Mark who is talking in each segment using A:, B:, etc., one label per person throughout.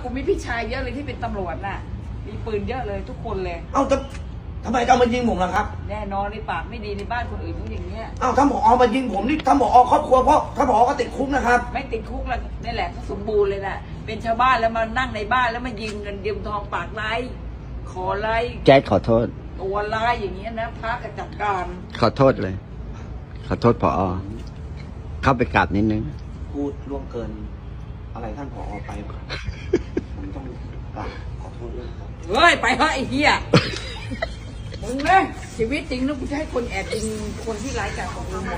A: กูมีพี่ชายเยอะเลยที่เป็นตำรวจน่ะมีปืนเยอะเลยทุกคนเลย
B: เอ้าทำไมต้องมายิงผมล่ะครับ
A: แน่นอนในปากไม่ดีในบ้านคนอื่นเขาอย่างเงี้ย
B: เอ้าถ้าผอมายิงผมนี่ถ้าผอครอบครัวเพราะถ้าผอก็ติดคุกนะครับ
A: ไม่ติดคุกแล้วนี่แหละเขาสมบูรณ์เลยน่ะเป็นชาวบ้านแล้วมานั่งในบ้านแล้วมายิงเงินยืมทองปากไร้ขอไร้
C: แจ๊ดขอโทษ
A: ตัวร้ายอย่างเงี้ยนะพระกระจัดการ
C: ขอโทษเลย ขอโทษผอเข้าไปกราบนิดนึง
B: พูดล่วงเกินอะไรท่านผอไปผมต้องกราบขอโทษด้วยครับ
A: เฮ้ยไปเฮ้ยไอ้เหี้ยมึงนะชีวิตจริงนะกูจะให้คนแอบยิงคนที่ร้ายกาจของมึงหมด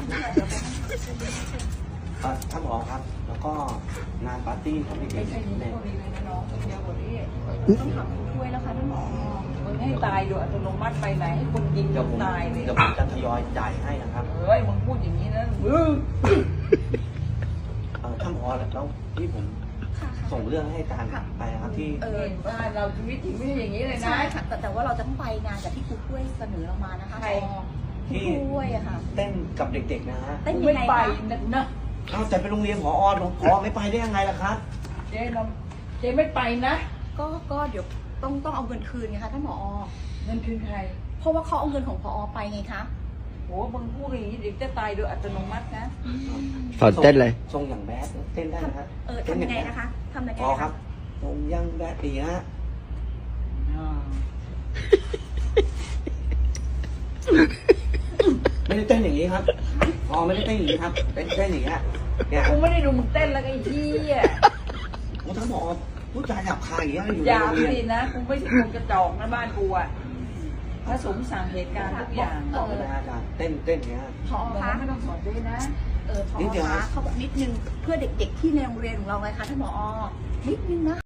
B: ท่านผอครับแล้วก็งานปาร์ตี้ของเด็ก
A: ไม่ใช่นี่
B: ๆ
A: ก็มีเลยนะน้องเดียวกว่านี้
D: ต้องถามผู้ช่วยแล้วค่ะท่านหมอ
A: มึงให้ตายโดยอัตโนมัติไปไหนให้คนยิง
B: เดี๋ยวผม
A: ตายเลย
B: เดี๋ยวผมจะทยอยจ่ายให้นะครับ
A: เฮ้ยมึงพูดอย่างนี้นะมึง
B: ท่านผอแล้วที่ผมส่งเรื่องให้การไปนะครับที่
A: บ้านเราชีวิตจริงไม่ใช่อย่างนี้เลยนะ
D: ใช่ค่ะแต่ว่าเราจะต้องไปงานกับที่ครูช่วยเสนอเรามานะคะที่ครูช่วยอะค่ะ
B: เต้นกับเด็กๆนะฮะ
D: เต้นยังไง
A: ไม่ไป
D: คะ
A: นะ
B: เอาแต่เป็นโรงเรียนผอไม่ไปได้ยังไงล่ะครับ
A: เจ๊ไม่ไปนะ
D: ก็เดี๋ยวต้องเอาเงินคืนไงคะท่านหมอ
A: เงินคืนใคร
D: เพราะว่าเขาเอาเงินของพอไปไงคะ
A: โหมึงพูดอย่างนี้เด็กจะตายโดยอัตโนมัตินะ
C: สอนเต้นเลย
B: ทรงอย่างแบดเต้นได้ไหมครับ
D: ทำยังไงนะคะทำยังไง
B: ครับทรงยังแบดดีฮะไม่ได้เต้นอย่างนี้ครับไม่ได้เต้นอย่างนี้ครับเต้นอย่างนี้เนี่ย
A: กูไม่ได้ดูมึงเต้นแล้วไอ้เหี้ย
B: ผมทั้งบอกผู้ชายหยาบคายอย่างเงี้ยอยู่ใน
A: อย่า
B: โรงเรียน
A: สินะกูไม่ใช่คนกระจอกนะบ้านกูอะพระสงฆ์สั่งเหตุการณ์ทุกอย่าง
B: บอกไม่ได้อาจารย์เต้นอย่างเงี้ย
D: พอคะ
A: ไม่ต้องสอนด้วยนะ
D: พอคะเขาบอกนิดนึงเพื่อเด็กๆที่ในโรงเรียนของเราไงคะท่านหมอนิดนึงนะ